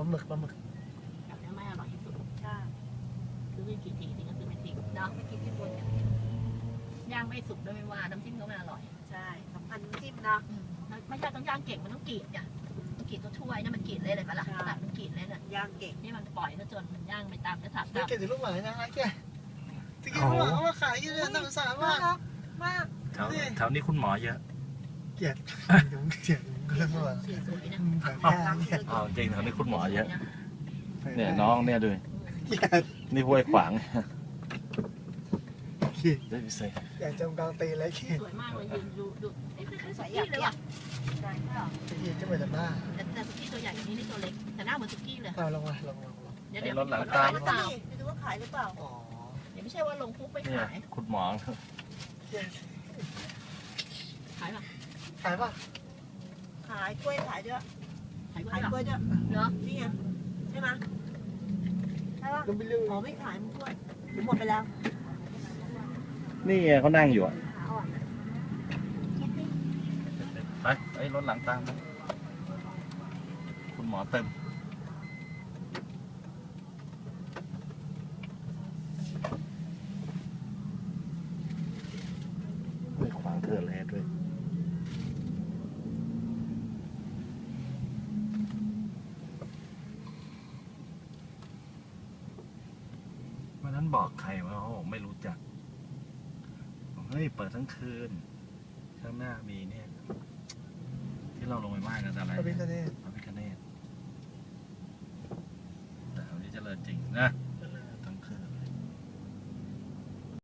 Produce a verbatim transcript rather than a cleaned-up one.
ลาหมึกปลาหมึกแบบนี้ไม่อร่อยที่สุดใช่ซื้อไปกี่ทีนี่ก็ซื้อไปทิ้งเนาะไม่กินที่บนเนี่ยย่างไม่สุกด้วยไม่ว่าน้ำจิ้มก็ไม่อร่อยใช่สำคัญน้ำจิ้มนะไม่ใช่ต้องย่างเก่งมันต้องกรีดเนี่ยต้องกรีดตัวถ้วยนี่มันกรีดเลยเลยปะล่ะตัดมันกรีดเลยเนี่ยย่างเก่งนี่มันปล่อยซะจนมันย่างไปตามกระถางนี่เก็บถึงลูกหมานะไอ้แกตะกี้ลูกหมาเขามาขายอยู่เลยน่าสงสารมากมากแถวแถวนี้คุณหมอเยอะเกลียดเดี๋ยวเกลียดเรื่องว่าเสียสวยนะอ๋อจริงแถวนี้คุณหมอเยอะเนี่ยน้องเนี่ยดูนี่ห้วยขวางได้พิเศษอยากจมกลางตีเลยเกลียดสวยมากเลยยืนดูดูไอ้คือสวยอยากเลยว่ะใช่ค่ะตะกี้จะเหมือนหน้าแต่แต่สุกี้ตัวใหญ่อย่างนี้นี่ตัวเล็กแต่หน้าเหมือนสุกี้เลยเอาลงมาลงลงเดี๋ยวเดี๋ยวรถหลังขายหตารือเปล่าไม่รู้ว่าขายหรือเปล่าอ๋อเดี๋ยวไม่ใช่ว่าลงคุกไปขายคุณหมอขายป่ะขายป่ะขายกล้วยขายด้วยขายกล้ขาวยยกล้วยด้วยเนาะนี่ไงใช่ไหมใช่ป่ะก็ไม่เรื่องอ๋อไม่ขายมันกล้วยหมดไปแล้วนี่เขานั่งอยู่อ่ะไปไอ้รถหลังตามคุณหมอเต็มไม่ขวางเกินเลยด้วยวันนั้นบอกใครว่าเขาบอกไม่รู้จักเฮ้ยเปิดทั้งคืนข้างหน้ามีเนี่ยที่เราลงไปไหว้กันอะไรพระพิฆเนศพระพิฆเนศแต่อันนี้เจริญจริงนะ